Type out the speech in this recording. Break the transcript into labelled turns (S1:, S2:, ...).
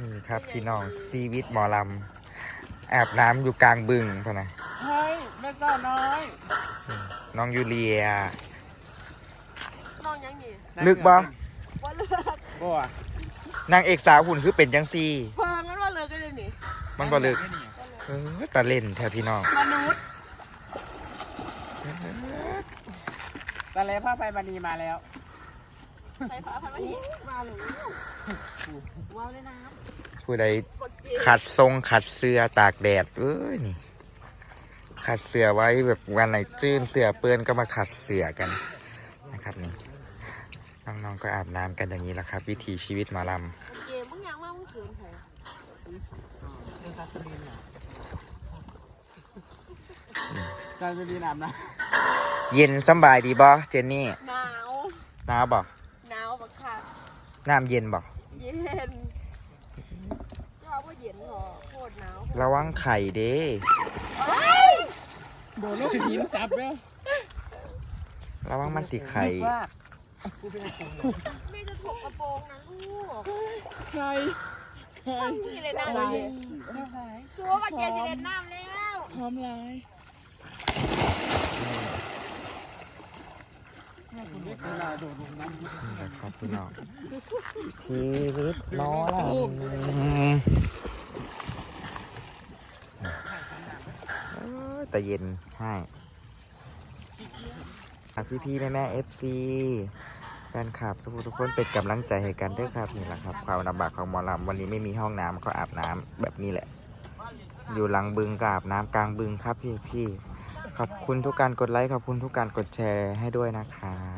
S1: นี่ครับพี่น้องชีวิตหมอลำอาบน้ำอยู่กลางบึงพะนะ
S2: เฮ้ยแม่สาวน้อย
S1: น้องยูเลีย
S3: น้องยังนี่
S1: ลึกบ่
S3: ว่าเลิก
S2: บ่อะ
S1: นางเอกสาวหุ่นคือเป็นจังซี่
S3: เพิ่งมันว่าเลิกกันเลยนี่
S1: มันบ่ลึกตาเล่นแท้พี่น้อง
S3: มนุษย์
S2: ตะเลผ้าไฟบันีมาแล้ว
S3: ใส่ผ้าพันวันนี้มาหรือว้าวเลยนะ
S1: ผู้ใดขัดทรงขัดเสื้อตากแดดเอ้ยนี่ขัดเสื้อไว้แบบวันไหนจื้นเสื้อเปื้อนก็มาขัดเสื้อกันนะครับนี่น้องๆก็อาบน้ำกันอย่างนี้แหละครับ วิถีชีวิตหมอล
S3: เกมมึงยังว่ามึงเขินใคร
S2: จานจะดีน้ำนะ
S1: ำเย็นสำบายดีบ่เจนนี่
S3: หนาว
S1: หนาวบ่
S3: หนาวบักค่ะ
S1: น้ำเย็นบ่
S3: เย็นจะว่าว่าเย็นหรอโคตรหนาว
S1: ระวังไข่เด้
S2: โดนลูกหินสับแล้ว
S1: ระวังมันติไข่
S3: ไม่จะถกกระโปรงนะลูก
S2: ใครใคร
S3: พี่เลยน้ำเลยชัวร์ว่าเกจะเล่นน้ำแล้ว
S2: พร้อมลาย
S1: นี่แหละครับพี่น้องชีวิตหมอลำแต่เย็นให้พี่ๆแม่ๆ FC แฟนคลับทุกคนเป็นกำลังใจให้กันด้วยครับนี่แหละครับความลำบากของหมอลำวันนี้ไม่มีห้องน้ำก็อาบน้ำแบบนี้แหละ อยู่หลังบึงก็อาบน้ำกลางบึงครับพี่ๆขอบคุณทุกการกดไลค์ขอบคุณทุกการกดแชร์ให้ด้วยนะครับ